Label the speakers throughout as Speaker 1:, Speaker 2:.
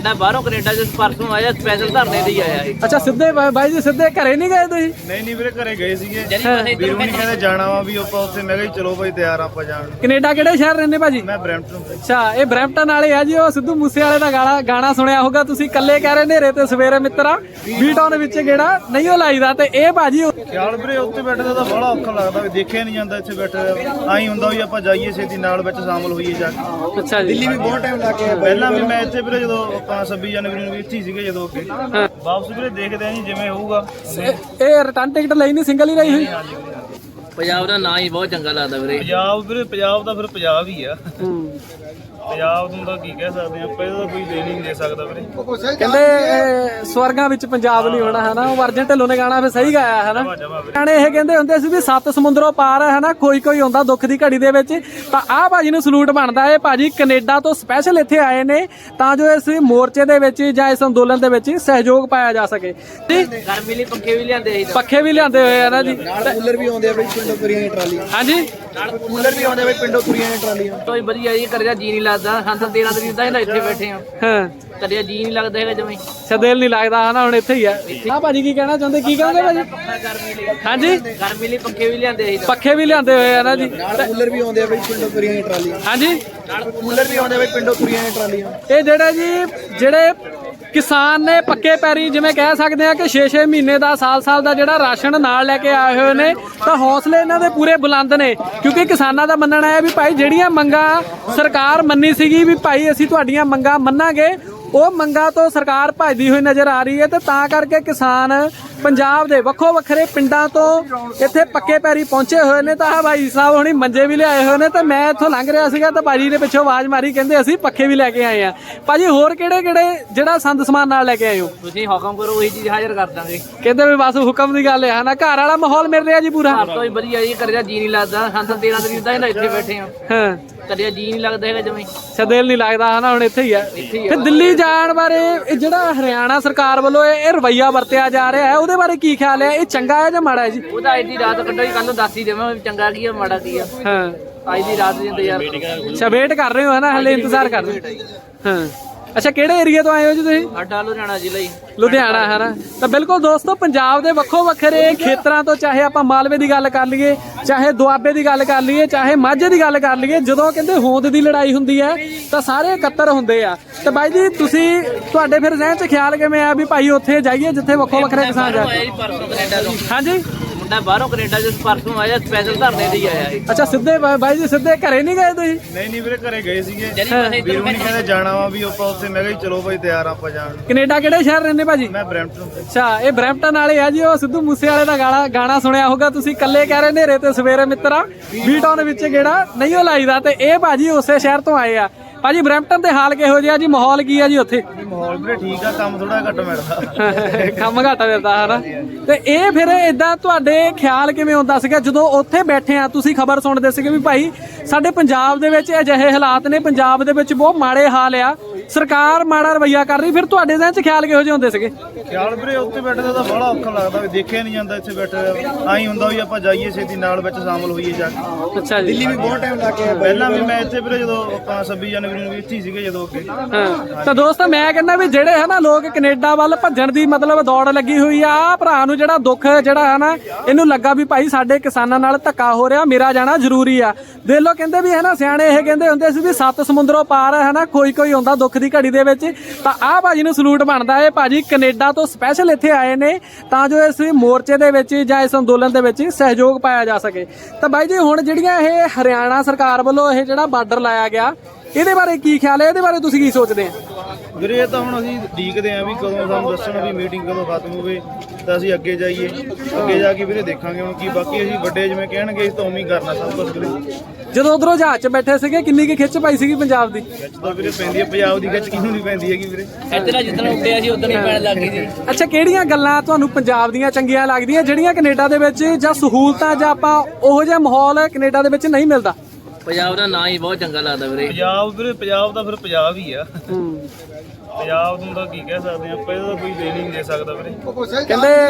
Speaker 1: ਮੁੰਡਾ ਬਾਹਰੋਂ ਕੈਨੇਡਾ ਚ ਪਰਸੋਂ ਆਇਆ, ਸਪੈਸ਼ਲ ਧਰਨੇ ਤੇ ਹੀ ਆਇਆ ਇਹ।
Speaker 2: ਅੱਛਾ ਸਿੱਧੇ ਬਾਈ ਜੀ ਸਿੱਧੇ ਘਰੇ ਨਹੀਂ ਗਏ ਤੁਸੀਂ?
Speaker 3: ਨਹੀਂ ਵੀਰੇ ਘਰੇ ਗਏ ਸੀਗੇ, ਵੀਰ ਹੁਣੀ ਕਹਿੰਦੇ ਜਾਣਾ ਵਾ ਵੀ ਆਪਾਂ ਉੱਥੇ। ਮੈਂ ਕਿਹਾ ਚਲੋ ਭਾਈ ਤਿਆਰ ਆਪਾਂ ਜਾਣ।
Speaker 2: ਕੈਨੇਡਾ ਕਿਹੜੇ ਸ਼ਹਿਰ ਰਹਿੰਦੇ ਭਾਜੀ?
Speaker 3: ਮੈਂ ਬਰੈਂਪਟਨ।
Speaker 2: ਅੱਛਾ ਇਹ ਬਰੈਂਪਟਨ ਵਾਲੇ ਆ ਜੀ। ਉਹ ਸਿੱਧੂ ਮੂਸੇ ਵਾਲੇ ਦਾ ਗਾਣਾ ਸੁਣਿਆ ਹੋਊਗਾ ਤੁਸੀਂ, ਕੱਲੇ ਕਹਿ ਰਹੇ ਨੇਰੇ ਤੇ ਸਵੇਰੇ ਮਿੱਤਰਾ ਬੀ ਟਾਊਨ ਵਿੱਚ ਗੇੜਾ ਨਹੀਂ ਉਹ ਲਾਈਦਾ। ਤੇ ਇਹ ਭਾਜੀ
Speaker 3: ਖਿਆਲ ਵੀਰੇ ਉੱਥੇ ਬੈਠੇ ਦਾ ਤਾਂ ਬੜਾ ਔਖਾ ਲੱਗਦਾ ਵੀ ਦੇਖਿਆ ਨਹੀਂ ਜਾਂਦਾ ਇੱਥੇ ਬੈਠੇ। ਆਈ ਹੁੰਦਾ ਵੀ ਆਪਾਂ ਜਾਈਏ ਛੇਤੀ ਨਾਲ ਵਿੱਚ ਸ਼ਾਮਲ ਹੋਈਏ ਜਾ ਕੇ।
Speaker 2: ਅੱਛਾ ਜੀ,
Speaker 3: ਦਿੱਲੀ ਵੀ ਬਹੁਤ ਟਾਈਮ ਲੱਗ ਗਿਆ ਪਹਿਲਾਂ ਵੀ ਮੈਂ ਇੱਥੇ ਵੀਰੇ ਜਦੋਂ ਆਪਾਂ 26 ਜਨਵਰੀ ਨੂੰ ਵੀ ਇੱਥੇ ਸੀਗੇ ਜਦੋਂ ਅੱਗੇ ਵਾਪਸ ਵੀਰੇ ਦੇਖਦੇ ਆ ਜੀ ਜਿਵੇਂ ਹੋਊਗਾ।
Speaker 2: ਇਹ ਰਿਟਰਨ ਟਿਕਟ ਲਈ ਨਹੀਂ, ਸਿੰਗਲ ਹੀ ਰਹੀ ਹੋਈ?
Speaker 1: ਪੰਜਾਬ ਦਾ ਨਾਂ ਹੀ ਬਹੁਤ ਚੰਗਾ ਲੱਗਦਾ ਵੀਰੇ।
Speaker 3: ਪੰਜਾਬ ਵੀਰੇ ਪੰਜਾਬ ਦਾ ਫਿਰ ਪੰਜਾਬ ਹੀ ਆ। ਪੰਜਾਬ ਨੂੰ ਤਾਂ ਕੀ ਕਹਿ ਸਕਦੇ ਆਪਾਂ, ਇਹਦਾ ਕੋਈ ਦੇ ਨਹੀਂ ਦੇ ਸਕਦਾ ਵੀਰੇ।
Speaker 2: ਕਹਿੰਦੇ ਸਵਰਗਾਂ ਵਿੱਚ ਪੰਜਾਬ ਨਹੀਂ ਹੋਣਾ ਹੈ ਨਾ, ਉਹ ਅਰਜਨ ਢਿੱਲੋਂ ਨੇ ਗਾਣਾ ਫਿਰ ਸਹੀ ਗਾਇਆ ਹੈ ਨਾ। ਗਾਣੇ ਇਹ ਕਹਿੰਦੇ ਹੁੰਦੇ ਸੀ ਵੀ 7 ਸਮੁੰਦਰੋਂ ਪਾਰ ਹੈ ਨਾ, ਕੋਈ ਹੁੰਦਾ ਦੁੱਖ ਦੀ ਘੜੀ ਦੇ ਵਿੱਚ। ਤਾਂ ਆਹ ਭਾਜੀ ਨੂੰ ਸਲੂਟ ਬਣਦਾ ਹੈ। ਭਾਜੀ ਕੈਨੇਡਾ ਤੋਂ ਸਪੈਸ਼ਲ ਇੱਥੇ ਆਏ ਨੇ ਤਾਂ ਜੋ ਇਸ ਮੋਰਚੇ ਦੇ ਵਿੱਚ ਜਾਂ ਇਸ ਅੰਦੋਲਨ ਦੇ ਵਿੱਚ ਸਹਿਯੋਗ ਪਾਇਆ ਜਾ ਸਕੇ।
Speaker 1: ਗਰਮੀ ਲਈ ਪੱਖੇ ਵੀ ਲਿਆਂਦੇ ਸੀ,
Speaker 2: ਪੱਖੇ ਵੀ ਲਿਆਂਦੇ ਹੋਏ ਆ ਨਾ ਜੀ।
Speaker 3: ਕੂਲਰ ਵੀ ਆਉਂਦੇ ਆ ਬਈ ਪਿੰਡੋਂ ਤੁਰੀਆਂ ਦੀਆਂ ਟਰਾਲੀਆਂ।
Speaker 2: ਹਾਂਜੀ
Speaker 3: ਕੂਲਰ ਵੀ ਆਉਂਦੇ ਬਈ ਪਿੰਡੋਂ ਤੁਰੀਆਂ ਦੀਆਂ ਟਰਾਲੀਆਂ।
Speaker 1: ਕੋਈ ਵਧੀਆ ਜੀ, ਕਰਿਆ ਜੀ ਨਹੀਂ ਲੱਗਦਾ। ਹਾਂ ਤਾਂ 13 ਤਰੀਕ ਦਾ ਹੀ ਇੱਥੇ ਬੈਠੇ ਆ,
Speaker 2: ਹਾਂ
Speaker 1: ਕਰਿਆ ਜੀ ਨਹੀਂ ਲੱਗਦਾ ਹੈਗਾ ਜਮੇ।
Speaker 2: ਦਿਲ ਨਹੀਂ ਲੱਗਦਾ ਹਨਾ, ਹੁਣ ਇੱਥੇ ਹੀ ਆ। ਆਹ ਭਾਜੀ ਕੀ ਕਹਿਣਾ ਚਾਹੁੰਦੇ? ਕੀ ਕਹਿੰਦੇ ਭਾਜੀ? ਹਾਂਜੀ
Speaker 1: ਗਰਮੀ ਲਈ ਪੱਖੇ ਵੀ ਲਿਆਂਦੇ ਸੀ,
Speaker 2: ਪੱਖੇ ਵੀ ਲਿਆਂਦੇ ਹੋਏ ਆ ਨਾ ਜੀ।
Speaker 3: ਕੂਲਰ ਵੀ ਆਉਂਦੇ ਆ ਬਈ ਪਿੰਡੋਂ ਤੁਰੀਆਂ ਦੀਆਂ ਟਰਾਲੀਆਂ।
Speaker 2: ਹਾਂਜੀ
Speaker 3: ਕੂਲਰ ਵੀ ਆਉਂਦੇ ਆ ਬਈ ਪਿੰਡੋਂ ਤੁਰੀਆਂ ਦੀਆਂ ਟਰਾਲੀਆਂ।
Speaker 2: ਇਹ ਜਿਹੜੇ ਕਿਸਾਨ ਨੇ ਪੱਕੇ ਪੈਰੀ ਜਿਵੇਂ ਕਹਿ ਸਕਦੇ ਆ ਕਿ 6-6 ਮਹੀਨੇ ਦਾ ਸਾਲ ਦਾ ਜਿਹੜਾ ਰਾਸ਼ਨ ਨਾਲ ਲੈ ਕੇ ਆਏ ਹੋਏ ਨੇ, ਤਾਂ ਹੌਸਲੇ ਇਹਨਾਂ ਦੇ ਪੂਰੇ ਬੁਲੰਦ ਨੇ। ਕਿਉਂਕਿ ਕਿਸਾਨਾਂ ਦਾ ਮੰਨਣਾ ਹੈ ਵੀ ਭਾਈ ਜਿਹੜੀਆਂ ਮੰਗਾਂ ਸਰਕਾਰ ਮੰਨੀ ਸੀਗੀ ਵੀ ਭਾਈ ਅਸੀਂ ਤੁਹਾਡੀਆਂ ਮੰਗਾਂ ਮੰਨਾਂਗੇ, ਉਹ ਮੰਗਾਂ ਤੋਂ ਸਰਕਾਰ ਭੱਜਦੀ ਹੋਈ ਨਜ਼ਰ ਆ ਰਹੀ ਹੈ। ਤੇ ਤਾਂ ਕਰਕੇ ਕਿਸਾਨ ਪੰਜਾਬ ਦੇ ਵੱਖੋ ਵੱਖਰੇ ਪਿੰਡਾਂ ਤੋਂ ਇੱਥੇ ਪੱਕੇ ਪੈਰੀ ਪਹੁੰਚੇ ਹੋਏ ਨੇ। ਤਾਂ ਭਾਈ ਸਾਹਿਬ ਹੁਣੀ ਮੰਜੇ ਵੀ ਲਿਆਏ ਹੋਏ ਨੇ। ਤੇ ਮੈਂ ਇੱਥੋਂ ਲੰਘ ਰਿਹਾ ਸੀਗਾ ਤਾਂ ਭਾਜੀ ਨੇ ਪਿੱਛੋਂ ਆਵਾਜ਼ ਮਾਰੀ, ਕਹਿੰਦੇ ਅਸੀਂ ਪੱਖੇ ਵੀ ਲੈ ਕੇ ਆਏ ਆ। ਭਾਜੀ ਹੋਰ ਕਿਹੜੇ ਜਿਹੜਾ ਸੰਦ ਸਮਾਨ ਨਾਲ ਲੈ ਕੇ ਆਏ ਹੋ?
Speaker 1: ਤੁਸੀਂ ਹੁਕਮ ਕਰੋ ਉਹੀ ਚੀਜ਼ ਹਾਜ਼ਰ ਕਰ ਦਾਂਗੇ।
Speaker 2: ਕਹਿੰਦੇ ਵੀ ਬਸ ਹੁਕਮ ਦੀ ਗੱਲ ਹੈ ਨਾ। ਘਰ ਵਾਲਾ ਮਾਹੌਲ ਮਿਲ ਰਿਹਾ ਜੀ ਪੂਰਾ?
Speaker 1: ਘਰ ਤੋਂ ਹੀ ਵਧੀਆ ਜੀ, ਕਰਿਆ ਜੀ ਨਹੀਂ ਲੱਗਦਾ। ਹਾਂ ਤਾਂ 13 ਤਰੀਕ ਦਾ ਹੀ ਇੱਥੇ ਬੈਠੇ ਆ,
Speaker 2: ਹਾਂ
Speaker 1: ਕਰਿਆ ਜੀ ਨਹੀਂ ਲੱਗਦਾ ਹੈਗਾ ਜਮੇ।
Speaker 2: ਦਿਲ ਨਹੀਂ ਲੱਗਦਾ ਹਨਾ, ਹੁਣ ਇੱਥੇ ਹੀ ਆ। ਫਿਰ ਦਿੱਲੀ ਜਾਣ ਬਾਰੇ ਇਹ ਜਿਹੜਾ ਹਰਿਆਣਾ ਸਰਕਾਰ ਵੱਲੋਂ ਇਹ ਰਵੱਈਆ ਵਰਤਿਆ ਜਾ ਰਿਹਾ ਹੈ, ਉਹਦੇ ਬਾਰੇ ਕੀ ਖਿਆਲ ਹੈ? ਇਹ ਚੰਗਾ ਹੈ ਜਾਂ ਮਾੜਾ ਹੈ ਜੀ?
Speaker 1: ਉਹਦਾ ਅੱਜ ਦੀ ਰਾਤ ਕੱਢੋ ਜੀ, ਕੱਲ ਨੂੰ ਦੱਸ ਹੀ ਦੇਵਾਂ ਚੰਗਾ ਕੀ ਆ ਮਾੜਾ ਕੀ ਆ।
Speaker 2: ਹਾਂ
Speaker 1: ਅੱਜ ਦੀ ਰਾਤ ਦੇ ਇੰਤਜ਼ਾਰ।
Speaker 2: ਅੱਛਾ ਵੇਟ ਕਰ ਰਹੇ ਹੋ ਹੈ ਨਾ, ਹਲੇ ਇੰਤਜ਼ਾਰ ਕਰ ਰਹੇ ਹੋ। ਹਾਂ ਅੱਛਾ ਕਿਹੜੇ ਏਰੀਆ ਤੋਂ ਆਏ ਹੋ ਜੀ ਤੁਸੀਂ?
Speaker 1: ਸਾਡਾ ਲੁਧਿਆਣਾ ਜ਼ਿਲ੍ਹਾ ਹੀ।
Speaker 2: ਲੁਧਿਆਣਾ ਹੈ ਨਾ। ਤਾਂ ਬਿਲਕੁਲ ਦੋਸਤੋ, ਪੰਜਾਬ ਦੇ ਵੱਖੋ ਵੱਖਰੇ ਖੇਤਰਾਂ ਤੋਂ, ਚਾਹੇ ਆਪਾਂ ਮਾਲਵੇ ਦੀ ਗੱਲ ਕਰ ਲਈਏ, ਚਾਹੇ ਦੁਆਬੇ ਦੀ ਗੱਲ ਕਰ ਲਈਏ, ਚਾਹੇ ਮਾਝੇ ਦੀ ਗੱਲ ਕਰ ਲਈਏ, ਜਦੋਂ ਕਹਿੰਦੇ ਹੋਂਦ ਦੀ ਲੜਾਈ ਹੁੰਦੀ ਹੈ ਤਾਂ ਸਾਰੇ ਇਕੱਤਰ ਹੁੰਦੇ ਆ। ਤੇ ਬਾਈ ਜੀ ਤੁਹਾਡੇ ਫਿਰ ਜ਼ਿਹਨ 'ਚ ਖਿਆਲ ਕਿਵੇਂ ਆ ਵੀ ਭਾਈ ਉੱਥੇ ਜਾਈਏ ਜਿੱਥੇ ਵੱਖੋ ਵੱਖਰੇ ਕਿਸਾਨ ਜਾ? ਹਾਂਜੀ
Speaker 1: ਮੁੰਡਾ ਬਾਹਰੋਂ ਕੈਨੇਡਾ ਚ ਪਰਸੋਂ ਆਇਆ, ਸਪੈਸ਼ਲ ਧਰਨੇ ਤੇ ਹੀ ਆਇਆ ਇਹ।
Speaker 2: ਅੱਛਾ ਸਿੱਧੇ ਬਾਈ ਜੀ ਸਿੱਧੇ ਘਰੇ ਨਹੀਂ ਗਏ ਤੁਸੀਂ?
Speaker 3: ਨਹੀਂ ਵੀਰੇ ਘਰੇ ਗਏ ਸੀਗੇ, ਵੀਰ ਹੁਣੀ ਕਹਿੰਦੇ ਜਾਣਾ ਵਾ ਵੀ ਆਪਾਂ ਉੱਥੇ। ਮੈਂ ਕਿਹਾ ਚਲੋ ਭਾਈ ਤਿਆਰ ਆਪਾਂ ਜਾਣ।
Speaker 2: ਕੈਨੇਡਾ ਕਿਹੜੇ ਸ਼ਹਿਰ ਰਹਿੰਦੇ ਭਾਜੀ?
Speaker 3: ਮੈਂ ਬਰੈਂਪਟਨ।
Speaker 2: ਅੱਛਾ ਇਹ ਬਰੈਂਪਟਨ ਵਾਲੇ ਆ ਜੀ। ਉਹ ਸਿੱਧੂ ਮੂਸੇ ਵਾਲੇ ਦਾ ਗਾਣਾ ਸੁਣਿਆ ਹੋਊਗਾ ਤੁਸੀਂ, ਕੱਲੇ ਕਹਿ ਰਹੇ ਨੇਰੇ ਤੇ ਸਵੇਰੇ ਮਿੱਤਰਾ ਬੀ ਟਾਊਨ ਵਿੱਚ ਗੇੜਾ ਨਹੀਂ ਉਹ ਲਾਈਦਾ। ਤੇ ਇਹ ਭਾਜੀ ਉਸੇ ਸ਼ਹਿਰ ਤੋਂ ਆਏ ਆ। ਭਾਜੀ ਬਰੈਂਪਟਨ ਦੇ ਹਾਲ ਕਿਹੋ ਜਿਹਾ ਜੀ? ਮਾਹੌਲ ਕੀ ਆ ਜੀ ਉੱਥੇ?
Speaker 3: ਮਾਹੌਲ ਵੀਰੇ ਠੀਕ ਆ, ਕੰਮ ਥੋੜਾ ਘੱਟ ਮਿਲਦਾ।
Speaker 2: ਕੰਮ ਘੱਟ ਮਿਲਦਾ ਹੈ ਨਾ। ਤੇ ਇਹ ਫਿਰ ਏਦਾਂ ਤੁਹਾਡੇ ਖਿਆਲ ਕਿਵੇਂ ਹੁੰਦਾ ਸੀਗਾ ਜਦੋਂ ਉੱਥੇ ਬੈਠੇ ਆ, ਤੁਸੀਂ ਖਬਰ ਸੁਣਦੇ ਸੀਗੇ ਵੀ ਭਾਈ ਸਾਡੇ ਪੰਜਾਬ ਦੇ ਵਿੱਚ ਅਜਿਹੇ ਹਾਲਾਤ ਨੇ, ਪੰਜਾਬ ਦੇ ਵਿੱਚ ਬਹੁਤ ਮਾੜੇ ਹਾਲ ਆ, ਸਰਕਾਰ ਮਾੜਾ ਰਵੱਈਆ ਕਰ ਰਹੀ? ਫਿਰ ਤੁਹਾਡੇ ਜ਼ਿਹਨ 'ਚ ਖਿਆਲ ਕਿਹੋ ਜਿਹੇ ਹੁੰਦੇ ਸੀਗੇ?
Speaker 3: ਖਿਆਲ ਵੀਰੇ ਉੱਥੇ ਬੈਠੇ ਦਾ ਤਾਂ ਬੜਾ ਔਖਾ ਲੱਗਦਾ ਵੀ ਦੇਖਿਆ ਨਹੀਂ ਜਾਂਦਾ ਇੱਥੇ ਬੈਠੇ। ਆਈ ਹੁੰਦਾ ਵੀ ਆਪਾਂ ਜਾਈਏ ਛੇਤੀ ਨਾਲ ਵਿੱਚ ਸ਼ਾਮਲ ਹੋਈਏ ਜਾ ਕੇ।
Speaker 2: ਅੱਛਾ ਜੀ,
Speaker 3: ਦਿੱਲੀ ਵੀ ਬਹੁਤ ਟਾਈਮ ਲੱਗ ਗਿਆ ਪਹਿਲਾਂ ਵੀ ਮੈਂ ਇੱਥੇ ਵੀਰੇ ਜਦੋਂ ਆਪਾਂ 26 ਜਨਵਰੀ ਨੂੰ ਵੀ ਇੱਥੇ ਸੀਗੇ ਜਦੋਂ ਅੱਗੇ।
Speaker 2: ਹਾਂ ਤਾਂ ਦੋਸਤੋ ਮੈਂ ਕਹਿੰਦਾ ਵੀ ਜਿਹੜੇ ਹੈ ਨਾ ਲੋਕ ਕੈਨੇਡਾ ਵੱਲ ਭੱਜਣ ਦੀ ਮਤਲਬ ਦੌੜ ਲੱਗੀ ਹੋਈ ਆ, ਭਰਾ ਨੂੰ ਜਿਹੜਾ ਦੁੱਖ ਜਿਹੜਾ ਹੈ ਨਾ ਇਹਨੂੰ ਲੱਗਾ ਵੀ ਭਾਈ ਸਾਡੇ ਕਿਸਾਨਾਂ ਨਾਲ ਧੱਕਾ ਹੋ ਰਿਹਾ, ਮੇਰਾ ਜਾਣਾ ਜ਼ਰੂਰੀ ਆ। ਦੇਖ ਲਓ ਕਹਿੰਦੇ ਵੀ ਹੈ ਨਾ ਸਿਆਣੇ ਇਹ ਕਹਿੰਦੇ ਹੁੰਦੇ ਸੀ ਵੀ 7 ਸਮੁੰਦਰੋਂ ਪਾਰ ਹੈ ਨਾ, ਕੋਈ ਹੁੰਦਾ ਦੁੱਖ ਦੀ ਘੜੀ ਦੇ ਵਿੱਚ। ਤਾਂ ਆਹ ਭਾਜੀ ਨੂੰ ਸਲੂਟ ਬਣਦਾ ਹੈ। ਭਾਜੀ ਕੈਨੇਡਾ ਤੋਂ ਸਪੈਸ਼ਲ ਇੱਥੇ ਆਏ ਨੇ ਤਾਂ ਜੋ ਇਸ ਮੋਰਚੇ ਦੇ ਵਿੱਚ ਜਾਂ ਇਸ ਅੰਦੋਲਨ ਦੇ ਵਿੱਚ ਸਹਿਯੋਗ ਪਾਇਆ ਜਾ ਸਕੇ। ਤਾਂ ਬਾਈ ਜੀ ਹੁਣ ਜਿਹੜੀਆਂ ਇਹ ਹਰਿਆਣਾ ਸਰਕਾਰ ਵੱਲੋਂ ਇਹ ਜਿਹੜਾ ਬਾਰਡਰ ਲਾਇਆ ਗਿਆ, ਇਹਦੇ ਬਾਰੇ ਕੀ ਖਿਆਲ ਹੈ? ਇਹਦੇ ਬਾਰੇ ਤੁਸੀਂ ਕੀ ਸੋਚਦੇ ਆ?
Speaker 3: ਵੀਰੇ ਇਹ ਤਾਂ ਹੁਣ ਅਸੀਂ ਉਡੀਕਦੇ ਆਂ ਵੀ ਕਦੋਂ ਸਾਨੂੰ ਦੱਸਣ ਵੀ ਮੀਟਿੰਗ ਕਦੋਂ ਖਤਮ ਹੋਵੇ ਤਾਂ ਅਸੀਂ ਅੱਗੇ ਜਾਈਏ। ਅੱਗੇ ਜਾ ਕੇ ਵੀਰੇ ਦੇਖਾਂਗੇ ਹੁਣ ਕੀ। ਬਾਕੀ ਅਸੀਂ ਵੱਡੇ ਜਿਵੇਂ ਕਹਿਣਗੇ ਅਸੀਂ ਤਾਂ ਉਵੇਂ ਹੀ ਕਰਨਾ ਸਭ ਕੁਝ ਵੀਰੇ।
Speaker 2: ਜਦੋਂ ਉਧਰੋਂ ਜਹਾਜ਼ 'ਚ ਬੈਠੇ ਸੀਗੇ ਕਿੰਨੀ ਕੁ ਖਿੱਚ ਪਾਈ ਸੀਗੀ ਪੰਜਾਬ ਦੀ?
Speaker 3: ਖਿੱਚ ਤਾਂ ਵੀਰੇ ਪੈਂਦੀ ਹੈ, ਪੰਜਾਬ ਦੀ ਖਿੱਚ ਕਿਹਨੂੰ ਨਹੀਂ ਪੈਂਦੀ ਹੈਗੀ ਵੀਰੇ।
Speaker 1: ਇੱਧਰ ਜਿੱਦਣ ਉੱਡਿਆ ਸੀ ਉਦੋਂ ਹੀ ਪੈਣ ਲੱਗ ਗਈ ਸੀ।
Speaker 2: ਅੱਛਾ ਕਿਹੜੀਆਂ ਗੱਲਾਂ ਤੁਹਾਨੂੰ ਪੰਜਾਬ ਦੀਆਂ ਚੰਗੀਆਂ ਲੱਗਦੀਆਂ ਜਿਹੜੀਆਂ ਕੈਨੇਡਾ ਦੇ ਵਿੱਚ, ਜਾਂ ਸਹੂਲਤਾਂ, ਜਾਂ ਆਪਾਂ ਉਹੋ ਜਿਹਾ ਮਾਹੌਲ ਕੈਨੇਡਾ ਦੇ ਵਿੱਚ ਨਹੀਂ ਮਿਲਦਾ?
Speaker 1: ਪੰਜਾਬ ਦਾ ਨਾਂ ਹੀ ਬਹੁਤ ਚੰਗਾ ਲੱਗਦਾ ਵੀਰੇ।
Speaker 3: ਪੰਜਾਬ ਦਾ ਫਿਰ ਪੰਜਾਬ ਹੀ ਆ। ਪੰਜਾਬ ਨੂੰ ਤਾਂ ਕੀ ਕਹਿ ਸਕਦੇ ਆਪਾਂ, ਇਹਦਾ ਕੋਈ ਦੇ ਨਹੀਂ ਦੇ ਸਕਦਾ ਵੀਰੇ।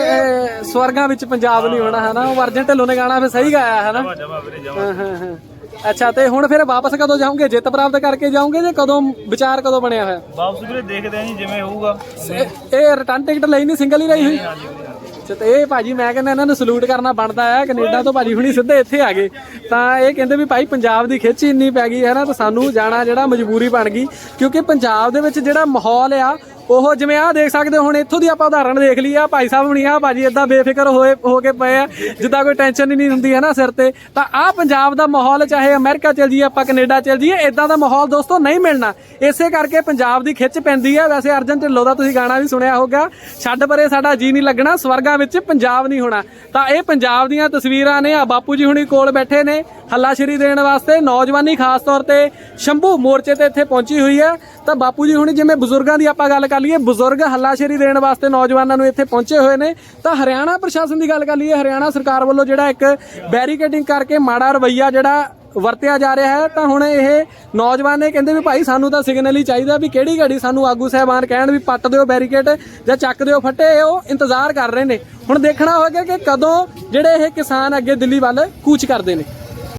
Speaker 2: ਕਹਿੰਦੇ ਸਵਰਗਾਂ ਵਿੱਚ ਪੰਜਾਬ ਨਹੀਂ ਹੋਣਾ ਹੈ ਨਾ, ਉਹ ਅਰਜਨ ਢਿੱਲੋਂ ਨੇ ਗਾਣਾ ਫਿਰ ਸਹੀ ਗਾਇਆ ਹੈ ਨਾ।
Speaker 3: ਜਮਾ ਵੀਰੇ ਜਮਾ।
Speaker 2: ਅੱਛਾ, ਤੇ ਹੁਣ ਫਿਰ ਵਾਪਸ ਕਦੋਂ ਜਾਓਗੇ? ਜਿੱਤ ਪ੍ਰਾਪਤ ਕਰਕੇ ਜਾਓਗੇ ਜਾਂ ਕਦੋਂ? ਵਿਚਾਰ ਕਦੋਂ ਬਣਿਆ ਹੋਇਆ?
Speaker 3: ਵਾਪਸ ਵੀਰੇ ਦੇਖਦੇ ਆਂ ਜੀ ਜਿਵੇਂ ਹੋਊਗਾ।
Speaker 2: ਇਹ ਰਿਟਰਨ ਟਿਕਟ ਲਈ ਨਹੀਂ, ਸਿੰਗਲ ਹੀ ਲਈ ਹੋਈ? ਅੱਛਾ, ਤੇ ਇਹ ਭਾਜੀ ਮੈਂ ਕਹਿੰਦਾ ਇਹਨਾਂ ਨੂੰ ਸਲੂਟ ਕਰਨਾ ਬਣਦਾ ਹੈ। ਕੈਨੇਡਾ ਤੋਂ ਭਾਜੀ ਹੁਣੀ ਸਿੱਧੇ ਇੱਥੇ ਆ ਗਏ, ਤਾਂ ਇਹ ਕਹਿੰਦੇ ਵੀ ਭਾਈ ਪੰਜਾਬ ਦੀ ਖਿੱਚ ਇੰਨੀ ਪੈ ਗਈ ਹੈ ਨਾ, ਤਾਂ ਸਾਨੂੰ ਜਾਣਾ ਜਿਹੜਾ ਮਜਬੂਰੀ ਬਣ ਗਈ, ਕਿਉਂਕਿ ਪੰਜਾਬ ਦੇ ਵਿੱਚ ਜਿਹੜਾ ਮਾਹੌਲ ਆ ਉਹ ਜਿਵੇਂ ਆਹ ਦੇਖ ਸਕਦੇ ਹੋ। ਹੁਣ ਇੱਥੋਂ ਦੀ ਆਪਾਂ ਉਦਾਹਰਣ ਦੇਖ ਲਈ ਆ, ਭਾਈ ਸਾਹਿਬ ਹੁਣੀ ਆ ਭਾਜੀ ਏਦਾਂ ਬੇਫਿਕਰ ਹੋ ਕੇ ਪਏ ਆ ਜਿੱਦਾਂ ਕੋਈ ਟੈਨਸ਼ਨ ਹੀ ਨਹੀਂ ਹੁੰਦੀ ਹੈ ਨਾ ਸਿਰ ਤੇ। ਤਾਂ ਆਹ ਪੰਜਾਬ ਦਾ ਮਾਹੌਲ, ਚਾਹੇ ਅਮਰੀਕਾ ਚਲ ਜਾਈਏ ਆਪਾਂ, ਕੈਨੇਡਾ ਚਲ ਜਾਈਏ, ਇਦਾਂ ਦਾ ਮਾਹੌਲ ਦੋਸਤੋ ਨਹੀਂ ਮਿਲਣਾ। ਇਸੇ ਕਰਕੇ ਪੰਜਾਬ ਦੀ ਖਿੱਚ ਪੈਂਦੀ ਹੈ। ਵੈਸੇ ਅਰਜਨ ਢਿੱਲੋਂ ਦਾ ਤੁਸੀਂ ਗਾਣਾ ਵੀ ਸੁਣਿਆ ਹੋਗਾ, ਛੱਡ ਪਰੇ ਸਾਡਾ ਜੀ ਨਹੀਂ ਲੱਗਣਾ, ਸਵਰਗਾਂ ਵਿੱਚ ਪੰਜਾਬ ਨਹੀਂ ਹੋਣਾ। ਤਾਂ ਇਹ ਪੰਜਾਬ ਦੀਆਂ ਤਸਵੀਰਾਂ ਨੇ। ਆ ਬਾਪੂ ਜੀ ਹੁਣੀ ਕੋਲ ਬੈਠੇ ਨੇ ਹੱਲਾਸ਼ੇਰੀ ਦੇਣ ਵਾਸਤੇ। ਨੌਜਵਾਨੀ ਖਾਸ ਤੌਰ ਤੇ ਸ਼ੰਭੂ ਮੋਰਚੇ ਤੇ ਇੱਥੇ ਪਹੁੰਚੀ ਹੋਈ ਹੈ। ਤਾਂ ਬਾਪੂ ਜੀ ਹੁਣੀ, ਜਿਵੇਂ ਬਜ਼ੁਰਗਾਂ ਦੀ ਆਪਾਂ ਗੱਲ ਕਰ ਲਈਏ, ਬਜ਼ੁਰਗ ਹੱਲਾਸ਼ੇਰੀ ਦੇਣ ਵਾਸਤੇ ਨੌਜਵਾਨਾਂ ਨੂੰ ਇੱਥੇ ਪਹੁੰਚੇ ਹੋਏ ਨੇ। ਤਾਂ ਹਰਿਆਣਾ ਪ੍ਰਸ਼ਾਸਨ ਦੀ ਗੱਲ ਕਰ ਲਈਏ, ਹਰਿਆਣਾ ਸਰਕਾਰ ਵੱਲੋਂ ਜਿਹੜਾ ਇੱਕ ਬੈਰੀਕੇਡਿੰਗ ਕਰਕੇ ਮਾੜਾ ਰਵੱਈਆ ਜਿਹੜਾ ਵਰਤਿਆ ਜਾ ਰਿਹਾ ਹੈ, ਤਾਂ ਹੁਣ ਇਹ ਨੌਜਵਾਨ ਨੇ ਕਹਿੰਦੇ ਵੀ ਭਾਈ ਸਾਨੂੰ ਤਾਂ ਸਿਗਨਲ ਹੀ ਚਾਹੀਦਾ ਵੀ ਕਿਹੜੀ ਘੜੀ ਸਾਨੂੰ ਆਗੂ ਸਾਹਿਬਾਨ ਕਹਿਣ ਵੀ ਪੱਟ ਦਿਓ ਬੈਰੀਕੇਡ ਜਾਂ ਚੱਕ ਦਿਓ ਫੱਟੇ। ਉਹ ਇੰਤਜ਼ਾਰ ਕਰ ਰਹੇ ਨੇ। ਹੁਣ ਦੇਖਣਾ ਹੋਵੇਗਾ ਕਿ ਕਦੋਂ ਜਿਹੜੇ ਇਹ ਕਿਸਾਨ ਅੱਗੇ ਦਿੱਲੀ ਵੱਲ ਕੂਚ ਕਰਦੇ ਨੇ।